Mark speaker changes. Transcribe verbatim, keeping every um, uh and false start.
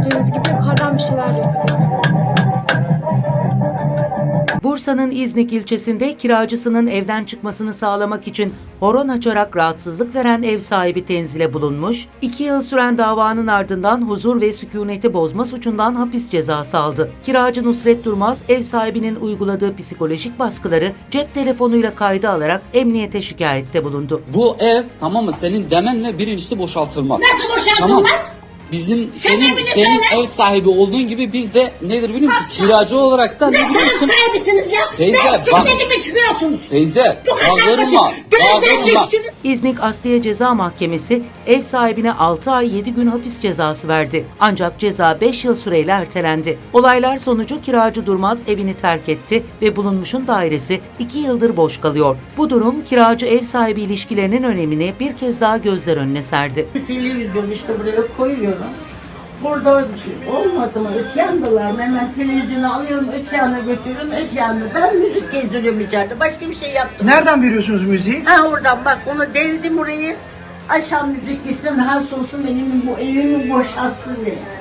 Speaker 1: gördüğünüz gibi yukarıdan bir şeyler yapıyor.
Speaker 2: Bursa'nın İznik ilçesinde kiracısının evden çıkmasını sağlamak için horon açarak rahatsızlık veren ev sahibi tenzile bulunmuş, iki yıl süren davanın ardından huzur ve sükuneti bozma suçundan hapis cezası aldı. Kiracı Nusret Durmaz, ev sahibinin uyguladığı psikolojik baskıları cep telefonuyla kayda alarak emniyete şikayette bulundu.
Speaker 3: Bu ev, tamam mı, senin demenle birincisi boşaltılmaz.
Speaker 4: Nasıl boşaltılmaz?
Speaker 3: Tamam. Bizim
Speaker 4: Sen
Speaker 3: senin
Speaker 4: evini
Speaker 3: senin
Speaker 4: söyle.
Speaker 3: ev sahibi olduğun gibi biz de nedir biliyor musun? Kiracı olarak da
Speaker 4: Ne
Speaker 3: ne biliyor
Speaker 4: sanat
Speaker 3: musun?
Speaker 4: sahibisiniz ya?
Speaker 3: Teyze,
Speaker 4: Ben
Speaker 3: bak.
Speaker 4: çıkmadım çıkıyorsunuz?
Speaker 3: Teyze,
Speaker 4: Bu kadar
Speaker 3: bağırma,
Speaker 4: basit. Gözden
Speaker 3: bağırma.
Speaker 4: düştünüz.
Speaker 2: İznik Asliye Ceza Mahkemesi ev sahibine altı ay yedi gün hapis cezası verdi. Ancak ceza beş yıl süreyle ertelendi. Olaylar sonucu kiracı Durmaz evini terk etti ve bulunmuşun dairesi iki yıldır boş kalıyor. Bu durum kiracı ev sahibi ilişkilerinin önemini bir kez daha gözler önüne serdi.
Speaker 5: Televizyon işte buraya koyuyorum. Burada olmadı mı? Öte yandalar mı? Hemen televizyonu alıyorum, öte yana götürüyorum, öte yanda. Ben müzik gezdiriyorum içeride. Başka bir şey yaptım.
Speaker 6: Nereden veriyorsunuz müziği?
Speaker 5: Ha oradan bak, onu deldim orayı. Aşağı müzik gitsin, has olsun benim bu evimi boşaltsın diye.